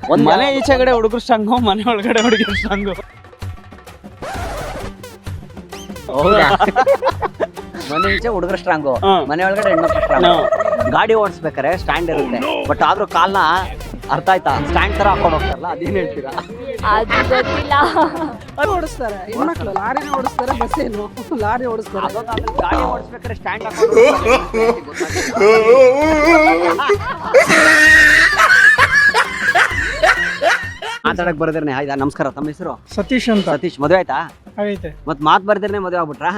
ಮನೆ ಈಚೆಗಡೆ ಹುಡುಗರು ಸ್ಟ್ರಾಂಗು, ಮನೆ ಒಳಗಡೆ ಹುಡುಗರು ಸ್ಟ್ರಾಂಗು. ಹೌದಾ? ಮನೆ ಈಚೆ ಹುಡುಗರು ಸ್ಟ್ರಾಂಗು, ಮನೆ ಒಳಗಡೆ ಹೆಣ್ಮಕ್ಳು ಸ್ಟ್ರಾಂಗು. ಗಾಡಿ ಓಡಿಸ್ಬೇಕಾರೆ ಸ್ಟ್ಯಾಂಡ್ ಇರುತ್ತೆ, ಬಟ್ ಆದ್ರೂ ಕಾಲ್ನ ಅರ್ಥ ಆಯ್ತಾ ಸ್ಟ್ಯಾಂಡ್ ತರ ಹಾಕೊಂಡು ಹೋಗ್ತಾರಲ್ಲ, ಅದೇನ್ ಹೇಳ್ತೀರಾ? ಅದು ಗೊತ್ತಿಲ್ಲ. ಓಡಿಸ್ತಾರೆ ಹೆಣ್ಮಕ್ಳು, ಲಾರಿನ ಓಡಿಸ್ತಾರೆ, ಬಸ್ ಏನು ಲಾರಿ ಓಡಿಸ್ತಾರೆ. ಗಾಡಿ ಓಡಿಸ್ಬೇಕಾದ್ರೆ ಸ್ಟ್ಯಾಂಡ್ ಹಾಕೊಂಡು ಮಾತಾಡಕ್ ಬರ್ದಿರ್ನೆ. ಆಯ್ತಾ? ನಮಸ್ಕಾರ, ತಮ್ಮ ಹೆಸರು? ಸತೀಶ್ ಅಂತ. ಸತೀಶ್, ಮದುವೆ ಆಯ್ತಾ? ಆಗೈತೆ. ಮತ್ ಮಾತ್ ಬರ್ದಿರ್ನೆ ಮದುವೆ ಆಗ್ಬಿಟ್ರಾ?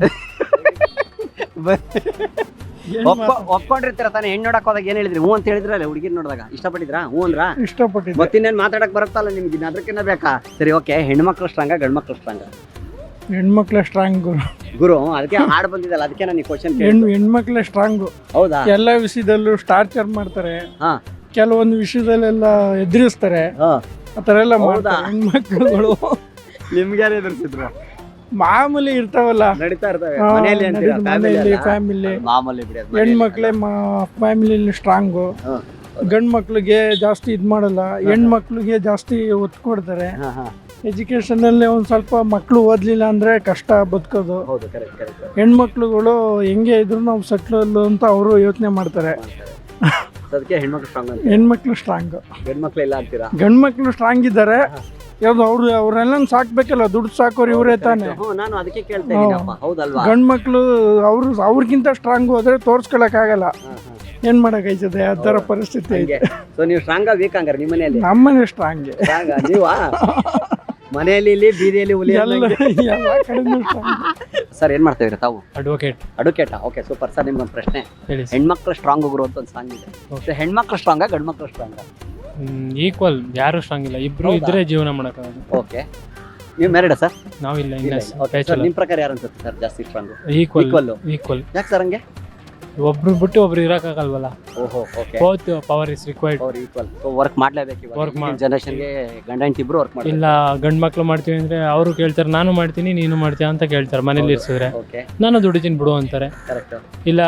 ಒಪ್ಕೊಂಡಿರ್ತೀರ ತಾನೆ? ಹೆಣ್ಣು ನೋಡಕ್ ಹೋದಾಗ ಏನ್ ಹೇಳಿದ್ರಿ? ಹ್ಞೂ ಅಂತ ಹೇಳಿದ್ರಲ್ಲ ಹುಡುಗಿರ್ ನೋಡಿದಾಗ? ಇಷ್ಟಪಟ್ಟಿದ್ರಾ? ಹ್ಞೂ ಅಂದ್ರ? ಇಷ್ಟಪಟ್ಟಿದ್ದೆ. ಮತ್ತಿನ್ನೇನ್ ಮಾತಾಡಕ್ ಬರುತ್ತಲ್ಲ ನಿಮ್ಗೆ, ಅದಕ್ಕಿನ್ನ ಬೇಕಾ? ಸರಿ, ಓಕೆ. ಹೆಣ್ಮಕ್ಳು ಸ್ಟ್ರಾಂಗ, ಗಂಡ್ಮಕ್ಳು ಸ್ಟ್ರಾಂಗ? ಹೆಣ್ಮಕ್ಳೆ ಸ್ಟ್ರಾಂಗ್ ಗುರು, ಅದಕ್ಕೆ ಹಾಡ್ ಬಂದಿದ್ದಲ್ಲ, ಅದಕ್ಕೆ ನಾನು ಈ ಕ್ವಶನ್ ಹೆಣ್ಮಕ್ಳೆ ಸ್ಟ್ರಾಂಗು. ಹೌದಾ? ಎಲ್ಲ ವಿಷಯದಲ್ಲೂ ಟಾರ್ಚರ್ ಮಾಡ್ತಾರೆ, ಹಾ ಕೆಲವೊಂದು ವಿಷಯದಲ್ಲೆಲ್ಲ ಎದುರಿಸ್ತಾರೆ, ಆತರ ಎಲ್ಲ ಮಾಡ್ತಾರೆ ಹೆಣ್ಮಕ್ಳುಗಳು. ನಿಮ್ಗೆ ಯಾರು ಎದುರಿಸಿದ್ರು? ಮಾಮೂಲಿ ಇರ್ತಾವಲ್ಲ, ನಡೀತಾ ಇರ್ತವೆ ಹಾ, ಮನೆಯಲ್ಲಿ ಅಂತೀರಾ? ಮನೆಯಲ್ಲಿ ಫ್ಯಾಮಿಲಿ. ಮಾಮೂಲಿ ಬಿಡಿ ಅದು. ಹೆಣ್ಮಕ್ಳೇ ಫ್ಯಾಮಿಲಿಲಿ ಸ್ಟ್ರಾಂಗು. ಗಂಡ್ ಮಕ್ಳಿಗೆ ಜಾಸ್ತಿ ಇದ್ ಮಾಡಲ್ಲ, ಹೆಣ್ಮಕ್ಳಿಗೆ ಜಾಸ್ತಿ ಒತ್ತು ಕೊಡ್ತಾರೆ. ಎಜುಕೇಶನ್ ಅಲ್ಲಿ ಒಂದ್ ಸ್ವಲ್ಪ ಮಕ್ಳು ಓದ್ಲಿಲ್ಲ ಅಂದ್ರೆ ಕಷ್ಟ ಬದುಕೋದು. ಹೌದು, ಕರೆಕ್ಟ್ ಕರೆಕ್ಟ್. ಹೆಣ್ಮಕ್ಳುಗಳು ಹೆಂಗೆ ಇದ್ರು ನಾವು ಸೆಟ್ಲ್ ಅಂತ ಅವರು ಯೋಚನೆ ಮಾಡ್ತಾರೆ. ಅದಕ್ಕೆ ಹೆಣ್ಮಕ್ಳು ಸ್ಟ್ರಾಂಗ್ ಅಂತ. ಹೆಣ್ಮಕ್ಳು ಸ್ಟ್ರಾಂಗ್, ಗಂಡ್ಮಕ್ಳು ಇಲ್ಲ ಅಂತೀರಾ? ಗಂಡ್ಮಕ್ಳು ಸ್ಟ್ರಾಂಗ್ ಇದ್ದಾರೆ. ಯಾವ್ದು ಅವ್ರೆಲ್ಲ ಸಾಕ್ಬೇಕಲ್ಲ, ದುಡ್ಡು ಸಾಕೋರು ಇವರೇ ತಾನೆ. ನಾನು ಅದಕ್ಕೆ ಕೇಳ್ತಾ ಇದ್ದೀನಪ್ಪ, ಹೌದಲ್ವಾ? ಗಂಡ್ಮಕ್ಳು ಅವ್ರಿಗಿಂತ ಸ್ಟ್ರಾಂಗ್ ಹೋದ್ರೆ ತೋರ್ಸ್ಕೊಳಕ್ ಆಗಲ್ಲ, ಏನ್ ಮಾಡಕ್ಕಾಯ್ತದೆ? ಆ ತರ ಪರಿಸ್ಥಿತಿ ಐತೆ. ಸೊ ನೀವು ಸ್ಟ್ರಾಂಗ್ ವೀಕ್ ಹಂಗಾರೆ ನಿಮ್ಮ ಮನೆಯಲ್ಲಿ? ನಮ್ಮನೆ ಸ್ಟ್ರಾಂಗ್. ನೀವಾ ಮನೆಯಲ್ಲಿ ಇಲ್ಲಿ ಬೀದಿಯಲ್ಲಿ ಹುಲಿ ಎಲ್ಲ ಕಡೆನೂ ಸ್ಟ್ರಾಂಗ್. ಸರ್, ಏನ್ ಮಾಡ್ತಾ ಇದ್ದೀರಾ ತಾವು? ಅಡ್ವೊಕೇಟ್. Okay, super. ಸರ್, ನಿಮ್ಗೊಂದು ಪ್ರಶ್ನೆ. ಹೇಳಿ. ಹೆಣ್ಮಕ್ಳು ಸ್ಟ್ರಾಂಗ್ ಗುರು ಅಂತ ಒಂದು ಸಾಂಗ್ ಇದೆ. ಸೊ ಹೆಣ್ಮಕ್ಳು ಸ್ಟ್ರಾಂಗ, ಗಂಡ್ಮಕ್ಳು ಸ್ಟ್ರಾಂಗ? ಈಕ್ವಲ್, ಯಾರು ಸ್ಟ್ರಾಂಗ್ ಇಲ್ಲ, ಇಬ್ರು ಇದ್ರೆ ಜೀವನ ಮಾಡಕ್ಕಾಗಲ್ಲ. ಓಕೆ. ನೀವು ಮ್ಯಾರಿಡಾ ಸರ್? ನಾವಿಲ್ಲ, ನಿಮ್ ಪ್ರಕಾರ ಯಾರು ಅನ್ಸುತ್ತೆ ಸರ್ ಜಾಸ್ತಿ ಸ್ಟ್ರಾಂಗ್? ಈಕ್ವಲ್. ಯಾಕೆ ಸರ್ ಹಂಗೆ? ಒಬ್ರು ಬಿಟ್ಟು ಒಬ್ರು ಇರಕ್ಕಾಗಲ್ವಲ್ಲ. ಓಹೋ, okay. Both power is required. Equal. So work ಮಾಡ್ಲೇಬೇಕು ಇವಾಗ ಜನರೇಷನ್ಗೆ. ಗಂಡ ಹೆಂಡತಿ ಇಬ್ರು ವರ್ಕ್ ಮಾಡ್ತಾರೆ. ಇಲ್ಲ, ಗಂಡ್ ಮಕ್ಳು ಮಾಡ್ತೀವಿ ಅಂದ್ರೆ ಅವರು ಕೇಳ್ತಾರೆ, ನಾನು ಮಾಡ್ತೀನಿ ನೀನು ಮಾಡ್ತೀಯ ಅಂತ ಕೇಳ್ತಾರೆ. ಮನೇಲಿ ಇರ್ಸಿದ್ರೆ ನಾನು ದುಡಿತೀನಿ ಬಿಡು ಅಂತಾರೆ. ಇಲ್ಲ,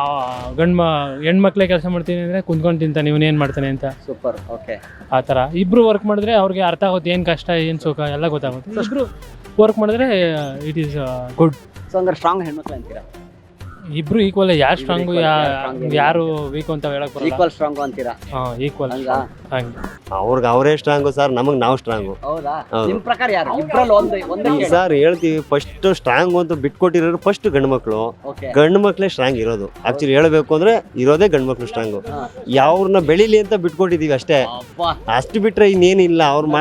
ಹೆಣ್ಮಕ್ಳೇ ಕೆಲಸ ಮಾಡ್ತೀನಿ ಅಂದ್ರೆ ಕುಂತ್ಕೊಂಡು ತಿಂತಾನೆ, ಇವನೇನ್ ಮಾಡ್ತಾನೆ ಅಂತ. ಸೂಪರ್. ಓಕೆ. ಆ ತರ ಇಬ್ರು ವರ್ಕ್ ಮಾಡಿದ್ರೆ ಅವ್ರಿಗೆ ಅರ್ಥ ಆಗುತ್ತೆ, ಏನ್ ಕಷ್ಟ ಏನ್ ಸುಖ ಎಲ್ಲ ಗೊತ್ತಾಗುತ್ತೆ. ಇಬ್ರು ವರ್ಕ್ ಮಾಡಿದ್ರೆ ಇಟ್ ಈಸ್ ಗುಡ್. ಸೊ ಹಂಗಾರೆ ಸ್ಟ್ರಾಂಗ್ ಹೆಣ್ಮಕ್ಳು ಅಂತೀರಾ? ಇಬ್ರು ಈಕ್ವಲ್. ಯಾರು ಸ್ಟ್ರಾಂಗು ಯಾರು ವೀಕ್ ಅಂತ ಹೇಳಕ್ ಬರಲ್ಲ. ಈಕ್ವಲ್ ಸ್ಟ್ರಾಂಗ್ ಅಂತೀರಾ? ಈಕ್ವಲ್. ಹಂಗೆ ಅವ್ರಿಗೆ ಅವರೇ ಸ್ಟ್ರಾಂಗು ಸರ್, ನಮಗೆ ನಾವು ಸ್ಟ್ರಾಂಗು. ಹೌದಾ? ನಿಮ್ ಪ್ರಕಾರ ಯಾರು? ಇಬ್ರಲ್ಲಿ ಒಂದೇ ಸರ್ ಹೇಳ್ತೀವಿ, ಫಸ್ಟ್ ಸ್ಟ್ರಾಂಗ್ ಅಂತ ಬಿಟ್ಕೊಟ್ಟಿರೋರು ಫಸ್ಟ್ ಗಂಡು ಮಕ್ಳು. ಗಂಡು ಮಕ್ಳೇ ಸ್ಟ್ರಾಂಗ್ ಇರೋದು. ಆಕ್ಚುಲಿ ಹೇಳ್ಬೇಕು ಅಂದ್ರೆ ಇರೋದೇ ಗಂಡು ಮಕ್ಳು ಸ್ಟ್ರಾಂಗು. ಯಾವ್ರನ್ನ ಬೆಳಿಲಿ ಅಂತ ಬಿಟ್ಕೊಟ್ಟಿದೀವಿ ಅಷ್ಟೇ, ಅಷ್ಟು ಬಿಟ್ರೆ ಇನ್ನೇನಿಲ್ಲ. ಅವ್ರ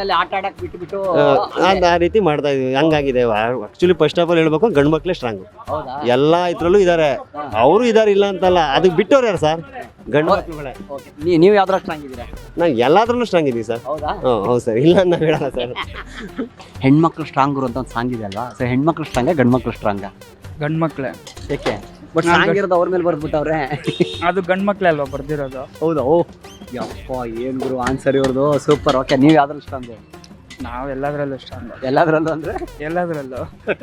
ಆ ರೀತಿ ಮಾಡ್ತಾ ಇದೀವಿ, ಹಂಗಾಗಿದೆ. ಆಕ್ಚುಲಿ ಫಸ್ಟ್ ಆಫ್ ಆಲ್ ಹೇಳ್ಬೇಕು, ಗಂಡು ಮಕ್ಳೇ ಸ್ಟ್ರಾಂಗು. ಎಲ್ಲಾ ಇದ್ರಲ್ಲೂ ಇದಾರೆ, ಅವರು ಇದಾರೆ, ಇಲ್ಲ ಅಂತಲ್ಲ. ಅದಕ್ಕೆ ಬಿಟ್ಟವ್ರು ಯಾರು ಸರ್? ಗಂಡು ಮಕ್ಳುಗಳೇ. ನೀವು ಯಾವ್ದ್ರ ಸ್ಟ್ರಾಂಗ್ ಇದ್ದೀರಾ? ನಾವು ಎಲ್ಲಾದ್ರಲ್ಲೂ ಸ್ಟ್ರಾಂಗ್ ಇದೀವಿ ಸರ್. ಹೌದು ಸರ್, ಇಲ್ಲ ನಾವ್ ಹೇಳಲ್ಲ ಸರ್. ಹೆಣ್ಮಕ್ಳು ಸ್ಟ್ರಾಂಗ್ ಅಂತ ಒಂದು ಸಾಂಗ್ ಇದೆ ಅಲ್ವಾ? ಸೊ ಹೆಣ್ಮಕ್ಳು ಸ್ಟ್ರಾಂಗ, ಗಂಡ್ಮಕ್ಳು ಸ್ಟ್ರಾಂಗ? ಗಂಡ್ಮಕ್ಳೆ. ಏಕೆ? ಬಟ್ ಸಾಂಗ್ ಇರೋದು ಅವ್ರ ಮೇಲೆ ಬರ್ದ್ಬಿಟ್ಟವ್ರೆ. ಅದು ಗಂಡ್ಮಕ್ಳೆ ಅಲ್ವಾ ಬರ್ದಿರೋದು? ಹೌದಾ? ಓ ಯಪ್ಪ, ಏನ್ ಗುರು ಆನ್ಸರ್ ಇವ್ರದು. ಸೂಪರ್. ಓಕೆ, ನೀವು ಯಾವ್ದ್ರಲ್ಲಿ ಸ್ಟ್ರಾಂಗು? ನಾವು ಎಲ್ಲದ್ರಲ್ಲೂ ಸ್ಟ್ರಾಂಗ್. ಎಲ್ಲದ್ರಲ್ಲೂ ಅಂದ್ರೆ? ಎಲ್ಲದ್ರಲ್ಲೂ.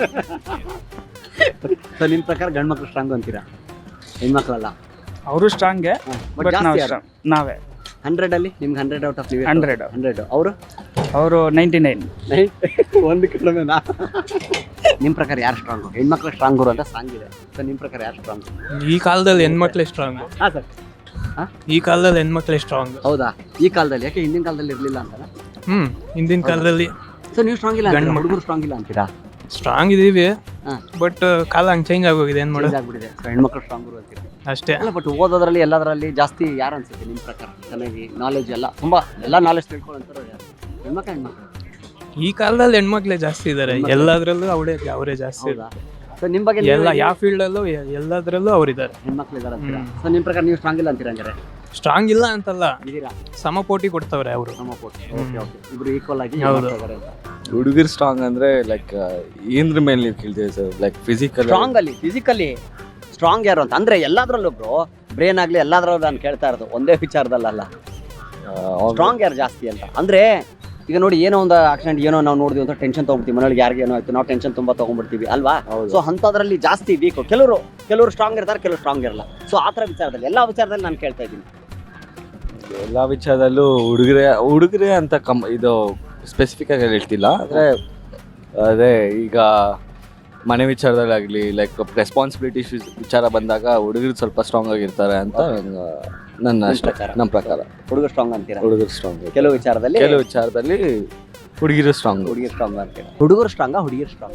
ಸೊ ನಿಮ್ ಪ್ರಕಾರ ಗಂಡ್ಮಕ್ಳು ಸ್ಟ್ರಾಂಗ್ ಅಂತೀರಾ? ಹೆಣ್ಮಕ್ಳಲ್ಲ? ಅವರು ಸ್ಟ್ರಾಂಗೆ, ಬಟ್ ನಾವೇ 100 ಅಲ್ಲಿ ನಿಮ್ಗೆ 100 ಔಟ್ ಆಫ್ 100. ಅವರು 99. ಒಂದು ಕಡಿಮೆನಾ? ನಿಮ್ ಪ್ರಕಾರ ಯಾರು ಸ್ಟ್ರಾಂಗು? ಹೆಣ್ಮಕ್ಳು ಸ್ಟ್ರಾಂಗ್ ಗುರು ಅಂತ ಸಾಂಗ್ ಇದೆ. ಸೊ ನಿಮ್ ಪ್ರಕಾರ ಯಾರು ಸ್ಟ್ರಾಂಗ್? ಈ ಕಾಲದಲ್ಲಿ ಹೆಣ್ಮಕ್ಳೇ ಸ್ಟ್ರಾಂಗ್. ಹಾ ಸರ್. ಈ ಕಾಲದಲ್ಲಿ ಹೆಣ್ಮಕ್ಳೇ ಸ್ಟ್ರಾಂಗ್. ಹೌದಾ? ಈ ಕಾಲದಲ್ಲಿ? ಯಾಕೆ ಹಿಂದಿನ ಕಾಲದಲ್ಲಿ ಇರ್ಲಿಲ್ಲ ಅಂತಲ್ಲ? ಹಿಂದಿನ ಕಾಲದಲ್ಲಿ. ಸೊ ನೀವು ಸ್ಟ್ರಾಂಗ್ ಇಲ್ಲ, ಹುಡುಗರು ಸ್ಟ್ರಾಂಗ್ ಇಲ್ಲ ಅಂತೀರಾ? ಸ್ಟ್ರಾಂಗ್ ಇದೀವಿ, ಬಟ್ ಕಾಲ ಹಂಗೆ ಚೇಂಜ್ ಆಗೋಗಿದೆ. ಏನ್ ಮಾಡೋದು? ಆಗ್ಬಿಟ್ಟಿದೆ. ಹೆಣ್ಮಕ್ಳು ಸ್ಟ್ರಾಂಗ್ ಗುರು ಅಂತೀರಾ ಅಷ್ಟೇ. ಅಲ್ಲ, ಬಟ್ ಓದೋದ್ರಲ್ಲಿ ಎಲ್ಲದರಲ್ಲಿ ಜಾಸ್ತಿ ಯಾರು ಅನ್ಸುತ್ತೆ ನಿಮ್ ಪ್ರಕಾರ? ಚೆನ್ನಾಗಿ ನಾಲೆಜ್ ಎಲ್ಲ ತುಂಬಾ ಎಲ್ಲ ನಾಲೆಜ್ ತಿಳ್ಕೊಳ್ಳೋಂಥವ್ರು ಯಾರು? ಹೆಣ್ಮಕ್ಳು? ಈ ಕಾಲದಲ್ಲಿ ಹೆಣ್ಮಕ್ಳೇ ಜಾಸ್ತಿ ಇದಾರೆ. ಎಲ್ಲದ್ರಲ್ಲೂ ಅವರೇ ಜಾಸ್ತಿ. ಸೊ ನಿಮ್ ಬಗ್ಗೆ ಎಲ್ಲ ಯಾವ ಫೀಲ್ಡ್ ಅಲ್ಲೂ ಎಲ್ಲದ್ರಲ್ಲೂ ಅವ್ರಿದ್ದಾರೆ, ಹೆಣ್ಮಕ್ಳು ಇದಾರೆ ಅಂತೀರಾ? ಸೊ ನಿಮ್ ಪ್ರಕಾರ ನೀವು ಸ್ಟ್ರಾಂಗ್ ಇಲ್ಲ ಅಂತೀರಾ? ಹಂಗಾರೆ ಸ್ಟ್ರಾಂಗ್ ಇಲ್ಲ ಅಂತಲ್ಲ, ಇದೀರಾ? ಸಮಪೋಟಿ ಕೊಡ್ತಾವ್ರೆ ಅವರು. ಸಮಪೋಟಿ. ಇಬ್ರು ಈಕ್ವಲ್ ಆಗಿ ಹುಡುಗರು ಸ್ಟ್ರಾಂಗ್ ಅಂದ್ರೆ ಲೈಕ್ ಏನ್ರ ಮೇಲೆ ನೀವು ಕೇಳ್ತೀವಿ ಸರ್? ಲೈಕ್ ಫಿಸಿಕಲಿ ಸ್ಟ್ರಾಂಗ್ ಯಾರು ಅಂತ ಅಂದ್ರೆ ಎಲ್ಲಾದ್ರಲ್ಲೂ ಬ್ರೋ, ಬ್ರೇನ್ ಆಗ್ಲಿ ಎಲ್ಲಾದ್ರಲ್ಲೂ ನಾನು ಕೇಳ್ತಾ ಇರೋದು ಒಂದೇ ವಿಚಾರದಲ್ಲ. ಸ್ಟ್ರಾಂಗ್ ಯಾರು ಜಾಸ್ತಿ ಅಂತ ಅಂದ್ರೆ ಈಗ ನೋಡಿ, ಏನೋ ಒಂದು ಆಕ್ಸಿಡೆಂಟ್ ಏನೋ ನಾವು ನೋಡಿದ್ವಿ ಅಂತ ಟೆನ್ಷನ್ ತಗೊಂಡ್ಬಿಡ್ತೀವಿ, ಮನೆಯೊಳಗೆ ಯಾರಿಗೆ ಏನೋ ಆಯ್ತು ನಾವು ಟೆನ್ಷನ್ ತುಂಬಾ ತಗೊಂಡ್ಬಿಡ್ತೀವಿ ಅಲ್ವಾ? ಸೊ ಅಂಥದ್ರಲ್ಲಿ ಜಾಸ್ತಿ ವೀಕ್. ಕೆಲವರು ಸ್ಟ್ರಾಂಗ್ ಇರ್ತಾರೆ, ಕೆಲವರು ಸ್ಟ್ರಾಂಗ್ ಇರಲ್ಲ. ಸೊ ಆ ಥರ ವಿಚಾರದಲ್ಲಿ, ಎಲ್ಲ ವಿಚಾರದಲ್ಲಿ ನಾನು ಕೇಳ್ತಾ ಇದ್ದೀನಿ. ಎಲ್ಲ ವಿಚಾರದಲ್ಲೂ ಹುಡುಗರೇ ಅಂತ ಇದು ಸ್ಪೆಸಿಫಿಕ್ ಆಗಿ ಹೇಳ್ತಿಲ್ಲ. ಅದೇ ಈಗ ಮನೆ ವಿಚಾರದಲ್ಲಾಗಲಿ ಲೈಕ್ ರೆಸ್ಪಾನ್ಸಿಬಿಲಿಟೀಸ್ ವಿಚಾರ ಬಂದಾಗ ಹುಡುಗರು ಸ್ವಲ್ಪ ಸ್ಟ್ರಾಂಗ್ ಆಗಿರ್ತಾರೆ ಅಂತ ನಮ್ಮ ಪ್ರಕಾರ. ಹುಡುಗರು ಸ್ಟ್ರಾಂಗ್ ಅಂತೀರಾ? ಹುಡುಗರು ಸ್ಟ್ರಾಂಗ್ ಕೆಲವು ವಿಚಾರದಲ್ಲಿ ಹುಡುಗಿರು ಸ್ಟ್ರಾಂಗ್ ಸ್ಟ್ರಾಂಗ್ ಅಂತೀರಾ? ಹುಡುಗರು ಸ್ಟ್ರಾಂಗಾ ಹುಡುಗಿರು ಸ್ಟ್ರಾಂಗ್?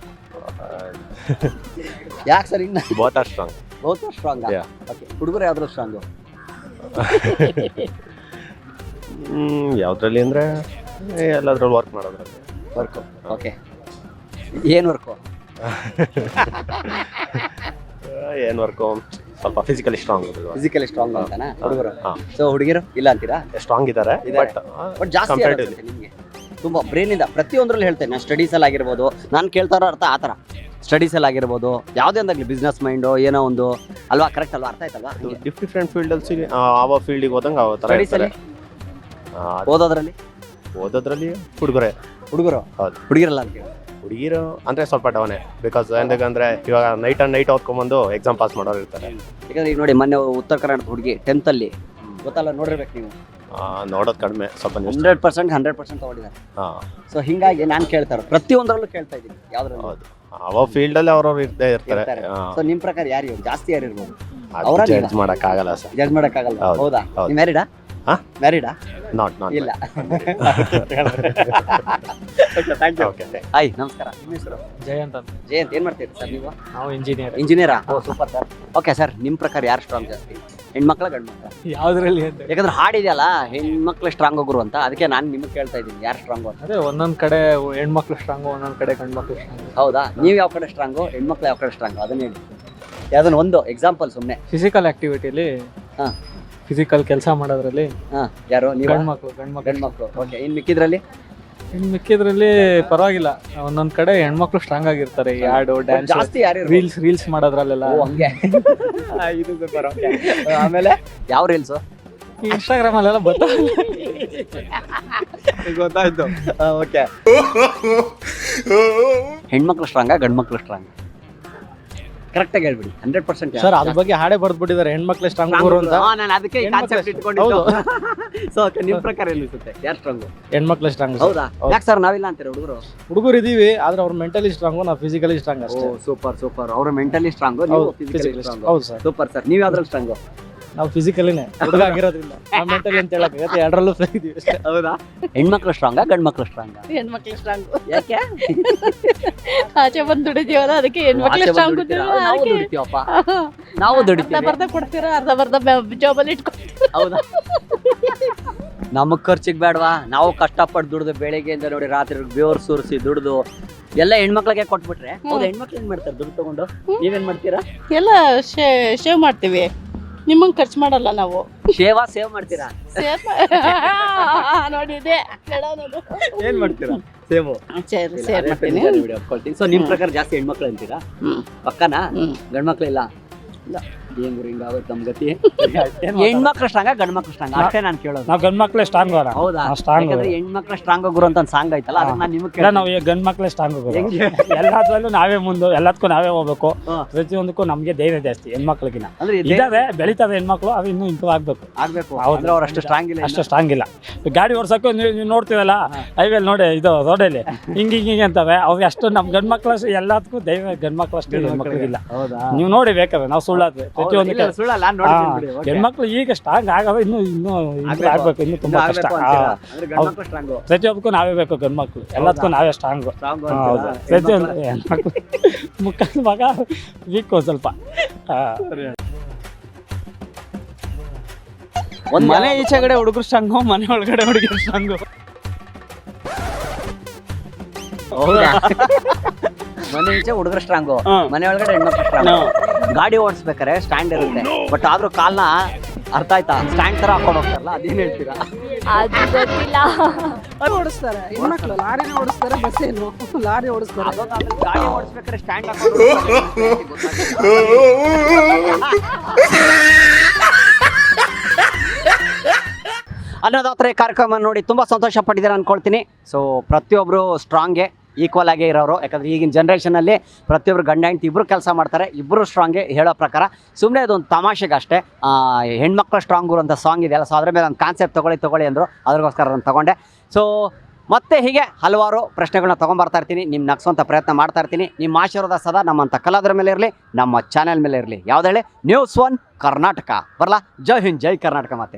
ಯಾಕೆ ಸರ್ ಇನ್ನ ಬೋತ್ ಆರ್ ಸ್ಟ್ರಾಂಗ್. ಬಹುತ್ ಸ್ಟ್ರಾಂಗ್. ಓಕೆ, ಹುಡುಗರು ಯಾವ್ದು ಸ್ಟ್ರಾಂಗು? ಯಾವ್ದ್ರಲ್ಲಿ ಅಂದ್ರೆ ಎಲ್ಲದ್ರಲ್ಲಿ ವರ್ಕ್ ಮಾಡೋದ್ರಲ್ಲಿ. ವರ್ಕು. ಓಕೆ, ಏನು ವರ್ಕು? ಏನ್ ವರ್ಕು? ಸ್ವಲ್ಪ ಫಿಸಿಕಲಿ ಸ್ಟ್ರಾಂಗ್. ಫಿಸಿಕಲಿ ಸ್ಟ್ರಾಂಗ್ ಅಂತಾನಾ ಹುಡುಗರು? ಸೊ ಹುಡುಗಿರು ಇಲ್ಲ ಅಂತೀರಾ? ಸ್ಟ್ರಾಂಗ್ ಇದ್ದಾರೆ, ಬಟ್ ಜಾಸ್ತಿ ನಿಮಗೆ ತುಂಬ ಬ್ರೈನಿಂದ ಪ್ರತಿಯೊಂದರಲ್ಲಿ ಹೇಳ್ತೇನೆ ನಾನು. ಸ್ಟಡೀಸಲ್ಲಿ ಆಗಿರ್ಬೋದು, ನಾನು ಕೇಳ್ತಾ ಇರೋ ಅರ್ಥ ಆ ಥರ. ಸ್ಟಡೀಸಲ್ಲಿ ಆಗಿರ್ಬೋದು, ಯಾವುದೇ ಒಂದಾಗಲಿ, ಬಿಸ್ನೆಸ್ ಮೈಂಡು ಏನೋ ಒಂದು ಅಲ್ವಾ? ಕರೆಕ್ಟ್ ಅಲ್ವಾ? ಅರ್ಥ ಆಯ್ತಲ್ವಾ? ಡಿಫ್ರೆಂಟ್ ಫೀಲ್ಡಲ್ಲಿ ಯಾವ ಫೀಲ್ಡಿಗೆ ಹೋದಂಗೆ ಆ ಥರ ಇರ್ತಾರೆ. ಓದೋದ್ರಲ್ಲಿ ಹುಡುಗರು. ಹೌದು, ಹುಡುಗಿರಲ್ಲ ಅಂತ. ಹುಡುಗಿರು ಅಂದ್ರೆ ಸ್ವಲ್ಪ ಡೌನೇ. ಬಿಕಾಸ್ ఎందుకంದ್ರೆ ಇವಾಗ ನೈಟ್ ಓದ್ಕೊಂಡ್ಬಂದು ಎಕ್ಸಾಮ್ ಪಾಸ್ ಮಾಡೋರು ಇರ್ತಾರೆ. ಯಾಕಂದ್ರೆ ಈಗ ನೋಡಿ, ಮೊನ್ನೆ ಉತ್ತರ ಕರ್ನಾಟಕದ ಹುಡುಗಿ 10th ಅಲ್ಲಿ ಗೊತ್ತಲ್ಲ, ನೋಡಿರ್ಬೇಕು ನೀವು. ನೋಡೋದು ಕಡಿಮೆ, ಸ್ವಲ್ಪ 100% ತಗೊಂಡಿದ್ದಾರೆ. ಸೊ ಹಿಂಗಾಗಿ ನಾನು ಕೇಳ್ತಾ ಇರೋದು ಪ್ರತಿಯೊಂದರಲ್ಲೂ ಕೇಳ್ತಾ ಇದ್ದೀನಿ, ಯಾವ್ದ್ರಲ್ಲಿ? ಹೌದು, ಯಾವ ಫೀಲ್ಡ್ ಅಲ್ಲಿ ಅವ್ರವ್ರು ಇರ್ತಾರೆ. ಸೊ ನಿಮ್ ಪ್ರಕಾರ ಯಾರು ಜಾಸ್ತಿ ಯಾರು ಇರ್ಬೋದು? ಜಡ್ಜ್ ಮಾಡಕ್ಕಾಗಲ್ಲ ಸರ್. ಜಡ್ಜ್ ಮಾಡಕ್ಕಾಗಲ್ಲ. ಹೌದಾ? ನೀವು ಮ್ಯಾರಿಡಾ? ನಾಟ್ ಇಲ್ಲ. ಹಾಯ್, ನಮಸ್ಕಾರ. ನಿಮ್ಮ ಹೆಸರು? ಜಯಂತ್ ಅಂತ. ಜಯಂತ್, ಏನ್ ಮಾಡ್ತೀರಿ ಸರ್ ನೀವು? ನಾವು ಇಂಜಿನಿಯರಾ? ಓ ಸೂಪರ್ ಸರ್. ಓಕೆ ಸರ್, ನಿಮ್ಮ ಪ್ರಕಾರ ಯಾರು ಸ್ಟ್ರಾಂಗ್ ಜಾಸ್ತಿ, ಹೆಣ್ಮಕ್ಳ ಗಂಡು ಮಕ್ಳ? ಯಾವ್ದ್ರಲ್ಲಿ ಅಂತ? ಯಾಕಂದ್ರೆ ಹಾಡಿದೆಯಲ್ಲ ಹೆಣ್ಮಕ್ಳು ಸ್ಟ್ರಾಂಗ್ ಹೋಗ್ರು ಅಂತ, ಅದಕ್ಕೆ ನಾನು ನಿಮಗೆ ಕೇಳ್ತಾ ಇದ್ದೀನಿ ಯಾರು ಸ್ಟ್ರಾಂಗು ಅಂತ. ಅದೇ ಒಂದೊಂದ್ ಕಡೆ ಹೆಣ್ಮಕ್ಳು ಸ್ಟ್ರಾಂಗು, ಒಂದೊಂದ್ ಕಡೆ ಗಂಡು ಮಕ್ಳು ಸ್ಟ್ರಾಂಗು. ಹೌದಾ? ನೀವು ಯಾವ ಕಡೆ ಸ್ಟ್ರಾಂಗು, ಹೆಣ್ಮಕ್ಳು ಯಾವ ಕಡೆ ಸ್ಟ್ರಾಂಗು? ಅದನ್ನ ಹೇಳಿ, ಯಾವ್ದನ್ನ ಒಂದು ಎಕ್ಸಾಂಪಲ್ ಸುಮ್ಮನೆ. ಫಿಸಿಕಲ್ ಆಕ್ಟಿವಿಟಿಲಿ, ಫಿಸಿಕಲ್ ಕೆಲಸ ಮಾಡೋದ್ರಲ್ಲಿ ಯಾರು? ನೀವು? ಗಂಡ್ಮಕ್ಳು. ಓಕೆ, ಇನ್ನು ಮಿಕ್ಕಿದ್ರಲ್ಲಿ? ಮಿಕ್ಕಿದ್ರಲ್ಲಿ ಪರವಾಗಿಲ್ಲ, ಒಂದೊಂದ್ ಕಡೆ ಹೆಣ್ಮಕ್ಳು ಸ್ಟ್ರಾಂಗ್ ಆಗಿರ್ತಾರೆ. ಹಾಡು, ಡ್ಯಾನ್ಸ್, ಜಾಸ್ತಿ ಯಾರು? ರೀಲ್ಸ್ ಮಾಡೋದ್ರಲ್ಲೆಲ್ಲ. ಹಂಗೆ. ಇದು ಸೂಪರ್. ಓಕೆ, ಆಮೇಲೆ ಯಾವ ರೀಲ್ಸು? ಇನ್ಸ್ಟಾಗ್ರಾಮ್ ಅಲ್ಲೆಲ್ಲ ಗೊತ್ತಾಯ್ತು. ಓಕೆ, ಹೆಣ್ಮಕ್ಳು ಸ್ಟ್ರಾಂಗಾ ಗಂಡು ಮಕ್ಳು ಸ್ಟ್ರಾಂಗ್? ಕರೆಕ್ಟಾಗಿ ಹೇಳ್ಬಿಡಿ. 100% ಸರ್ ಅದ್ರ ಬಗ್ಗೆ ಹಾಡೇ ಬರ್ದ್ಬಿಟ್ಟಿದ್ದಾರೆ, ಹೆಣ್ಮಕ್ಳು ಸ್ಟ್ರಾಂಗ್ ಅಂತ. ನಾನು ಅದಕ್ಕೆ ಈ ಕಾನ್ಸೆಪ್ಟ್ ಇಟ್ಕೊಂಡಿದ್ದು. ಸೊ ನಿಮ್ಮ ಪ್ರಕಾರ ಏನಿಸುತ್ತೆ, ಯಾರು ಸ್ಟ್ರಾಂಗು? ಹೆಣ್ಮಕ್ಳು ಸ್ಟ್ರಾಂಗ್. ಹೌದಾ? ಯಾಕೆ ಸರ್ ನಾವಿಲ್ಲ ಅಂತೀರ? ಹುಡುಗರು ಇದೀವಿ, ಆದ್ರೆ ಅವ್ರು ಮೆಂಟಲಿ ಸ್ಟ್ರಾಂಗು, ನಾವು ಫಿಸಿಕಲಿ ಸ್ಟ್ರಾಂಗ್ ಅಷ್ಟೇ. ಸೂಪರ್. ಅವರು ಮೆಂಟಲಿ ಸ್ಟ್ರಾಂಗು, ನೀವು ಫಿಸಿಕಲಿ ಸ್ಟ್ರಾಂಗ್. ಹೌದು ಸರ್. Super sir. ನೀವು ಯಾವ್ದ್ರಲ್ಲಿ ಸ್ಟ್ರಾಂಗು? ನಾವು ಫಿಸಿಕಲಿನೇ, ಹುಡುಗ ಆಗಿರೋದ್ರಿಂದ ನಾವು ಮೆಂಟಲಿ ಅಂತ ಹೇಳಕ್ಕಾಗತ್ತೆ, ಎರಡರಲ್ಲೂ ಇದೀವಿ ಅಷ್ಟೇ. ಹೌದಾ? ಹೆಣ್ಮಕ್ಳು ಸ್ಟ್ರಾಂಗಾ ಗಂಡು ಮಕ್ಳು ಸ್ಟ್ರಾಂಗ್? ಹೆಣ್ಮಕ್ಳು ಸ್ಟ್ರಾಂಗ್. ಯಾಕೆ? ಆಚೆ ಬಂದು ದುಡಿದೀವಲ್ಲ, ಅದಕ್ಕೆ ಹೆಣ್ಮಕ್ಳು ಸ್ಟ್ರಾಂಗ್. ನಾವು ದುಡಿತೀವಪ್ಪ, ನಾವು ದುಡಿತೀವಿ. ಅರ್ಧ ಕೊಡ್ತೀರಾ, ಅರ್ಧ ಜಾಬಲ್ಲಿ ಇಟ್ಕೊಡ್ತೀರಾ. ಹೌದಾ? ನಮಗ್ ಖರ್ಚಿಗೆ ಬೇಡವಾ? ನಾವು ಕಷ್ಟಪಟ್ಟು ದುಡ್ದು ಬೆಳಿಗ್ಗೆಯಿಂದ ನೋಡಿ ರಾತ್ರಿ ಬೇವ್ರು ಸುರಿಸಿ ದುಡ್ದು ಎಲ್ಲ ಹೆಣ್ಮಕ್ಳಿಗೆ ಕೊಟ್ಬಿಟ್ರೆ, ಹೌದು, ಹೆಣ್ಮಕ್ಳು ಏನ್ ಮಾಡ್ತಾರೆ ದುಡ್ಡು ತಗೊಂಡು? ನೀವೇನ್ ಮಾಡ್ತೀರಾ? ಎಲ್ಲ ಶೇವ್ ಮಾಡ್ತೀವಿ, ನಿಮ್ಮಂಗೆ ಖರ್ಚು ಮಾಡಲ್ಲ ನಾವು. ಸೇವ್ ಮಾಡ್ತೀರಾ? ನೋಡಿದೆ. ಏನ್ ಮಾಡ್ತೀರಾ? ಸೇವು ಸೇವ್ ಮಾಡ್ತೀನಿ. ಸೊ ನಿಮ್ ಪ್ರಕಾರ ಜಾಸ್ತಿ ಹೆಣ್ಮಕ್ಳು ಅಂತೀರಾ? ಪಕ್ಕನಾ? ಗಂಡ್ಮಕ್ಳು ಇಲ್ಲ? ಏನ್ ಗುರು ಹಿಂಗಾಗುತ್ತೆ ನಮ್ ಗತಿ? ಹೆಣ್ಮಕ್ಳು ಸ್ಟ್ರಾಂಗ ಗಂಡ್ಮಕ್ಳು ಸ್ಟ್ರಾಂಗ್ ಅಷ್ಟೇ ನಾನು ಕೇಳೋದು. ನಾವು ಗಂಡ್ ಮಕ್ಳೇ ಸ್ಟ್ರಾಂಗ್. ಹೌದಾ? ಯಾಕಂದ್ರೆ ಹೆಣ್ಮಕ್ಳು ಸ್ಟ್ರಾಂಗ್ ಗುರು ಅಂತ ಸಾಂಗ್ ಐತಲ್ಲ, ಅದನ್ನ ನಾನು ನಿಮಗೆ ಇಲ್ಲ, ನಾವು ಗಂಡ್ ಮಕ್ಳೇ ಸ್ಟ್ರಾಂಗ್. ಎಲ್ಲದರಲ್ಲೂ ನಾವೇ ಮುಂದೆ, ಎಲ್ಲದಕ್ಕೂ ನಾವೇ ಹೋಗ್ಬೇಕು. ಪ್ರತಿಯೊಂದಕ್ಕೂ ನಮ್ಗೆ ಧೈರ್ಯ ಜಾಸ್ತಿ ಹೆಣ್ಮಕ್ಳಿಗಿನ. ಅಂದ್ರೆ ಇದಾವೆ, ಬೆಳಿತಾವೆ ಹೆಣ್ಮಕ್ಳು, ಅದು ಇನ್ನೂ ಇಂಪ್ರೂವ್ ಆಗ್ಬೇಕು. ಅಂದ್ರೆ ಅವ್ರು ಅಷ್ಟು ಸ್ಟ್ರಾಂಗ್ ಇಲ್ಲ. ಅಷ್ಟು ಸ್ಟ್ರಾಂಗ್ ಇಲ್ಲ. ಗಾಡಿ ಓಡ್ಸಕ್ಕೂ ನೀವು ನೋಡ್ತೀವಲ್ಲ ಹೈವೇಲಿ ನೋಡಿ, ಇದು ರೋಡಲ್ಲಿ ಹಿಂಗೆ ಅಂತವೆ, ಅವ್ರಿಗೆ ಅಷ್ಟು ನಮ್ಮ ಗಂಡ್ ಮಕ್ಳು ಎಲ್ಲದಕ್ಕೂ ಧೈರ್ಯ ಗಂಡ್ ಮಕ್ಳು ಅಷ್ಟು ಹೆಣ್ಮಕ್ಳಿಗಿಲ್ಲ. ನೀವು ನೋಡಿ ಬೇಕಾದ್ರೆ, ನಾವು ಸುಳ್ಳಾದ್ವಿ ಪ್ರತಿಯೊಂದು. ಹೆಣ್ಮಕ್ಳು ಈಗ ಸ್ಟ್ರಾಂಗ್ ಆಗೋದು ಇನ್ನೂ ಇಂಪ್ರೂವ್ ಆಗ್ಬೇಕು, ಇನ್ನೂ ತುಂಬಾ ಕಷ್ಟ. ಪ್ರತಿಯೊಬ್ಬಕ್ಕೂ ನಾವೇ ಬೇಕು ಗಂಡ್ ಮಕ್ಳು, ಎಲ್ಲದಕ್ಕೂ ನಾವೇ ಸ್ಟ್ರಾಂಗ್. ಹೌದು, ಪ್ರತಿಯೊಂದು ಹೆಣ್ಮಕ್ಳು ಮುಖದ ಮಗ ವೀಕ್ ಸ್ವಲ್ಪ. ಮನೆ ಈಚೆ ಕಡೆ ಹುಡುಗರು ಸ್ಟ್ರಾಂಗು, ಮನೆ ಒಳಗಡೆ ಹುಡುಗರು ಸ್ಟ್ರಾಂಗು. ಹೌದಾ? ಮನೆ ಈಚೆ ಹುಡುಗರು ಸ್ಟ್ರಾಂಗು, ಮನೆ ಒಳಗಡೆ ಹೆಣ್ಮಕ್ಳು ಸ್ಟ್ರಾಂಗ್. ಗಾಡಿ ಓಡಿಸ್ಬೇಕಾರೆ ಸ್ಟ್ಯಾಂಡ್ ಇರುತ್ತೆ, ಬಟ್ ಆದ್ರೂ ಕಾಲ್ನ ಅರ್ಥ ಆಯ್ತಾ ಸ್ಟ್ಯಾಂಡ್ ತರ ಹಾಕೊಂಡು ಹೋಗ್ತಾರಲ್ಲ, ಅದೇನ್ ಹೇಳ್ತೀರಾ? ಅದು ಗೊತ್ತಿಲ್ಲ. ಓಡಿಸ್ತಾರೆ ಹೆಣ್ಮಕ್ಳು, ಲಾರಿನ ಓಡಿಸ್ತಾರೆ, ಬಸ್ ಏನು ಲಾರಿ ಓಡಿಸ್ತಾರೆ. ಗಾಡಿ ಓಡಿಸ್ಬೇಕಾದ್ರೆ ಸ್ಟ್ಯಾಂಡ್ ಹಾಕೊಂಡು ಅನ್ನೋದಾತ್ರೆ ಕಾರ್ಯಕ್ರಮ ನೋಡಿ ತುಂಬಾ ಸಂತೋಷ ಪಟ್ಟಿದ್ದಾರೆ ಅನ್ಕೊಳ್ತೀನಿ. ಸೊ ಪ್ರತಿಯೊಬ್ರು ಸ್ಟ್ರಾಂಗೆ ಈಕ್ವಲ್ ಆಗೇ ಇರೋರು. ಯಾಕಂದರೆ ಈಗಿನ ಜನ್ರೇಷನಲ್ಲಿ ಪ್ರತಿಯೊಬ್ಬರು ಗಂಡ ಹೆಂಡತಿ ಇಬ್ಬರು ಕೆಲಸ ಮಾಡ್ತಾರೆ, ಇಬ್ಬರು ಸ್ಟ್ರಾಂಗೇ ಹೇಳೋ ಪ್ರಕಾರ. ಸುಮ್ಮನೆ ಅದೊಂದು ತಮಾಷೆಗೆ ಅಷ್ಟೇ. ಹೆಣ್ಮಕ್ಳು ಸ್ಟ್ರಾಂಗು ಅಂತ ಸಾಂಗ್ ಇದೆಯಲ್ಲ, ಸೊ ಅದ್ರ ಮೇಲೆ ಒಂದು ಕಾನ್ಸೆಪ್ಟ್ ತೊಗೊಳ್ಳಿ ಅಂದರು, ಅದಕ್ಕೋಸ್ಕರ ನಾನು ತೊಗೊಂಡೆ. ಸೊ ಮತ್ತೆ ಹೀಗೆ ಹಲವಾರು ಪ್ರಶ್ನೆಗಳನ್ನ ತೊಗೊಂಬರ್ತಾ ಇರ್ತೀನಿ, ನಿಮ್ಮ ನಗ್ಸೋಂಥ ಪ್ರಯತ್ನ ಮಾಡ್ತಾ ಇರ್ತೀನಿ. ನಿಮ್ಮ ಆಶೀರ್ವಾದ ಸದಾ ನಮ್ಮಂಥ ಕಲಾವಿದರ ಮೇಲೆ ಇರಲಿ, ನಮ್ಮ ಚಾನೆಲ್ ಮೇಲೆ ಇರಲಿ. ಯಾವುದೇ News1 ಕರ್ನಾಟಕ ಬರಲ್ಲ. ಜೈ ಹಿಂದ್, ಜೈ ಕರ್ನಾಟಕ. ಮತ್ತೆ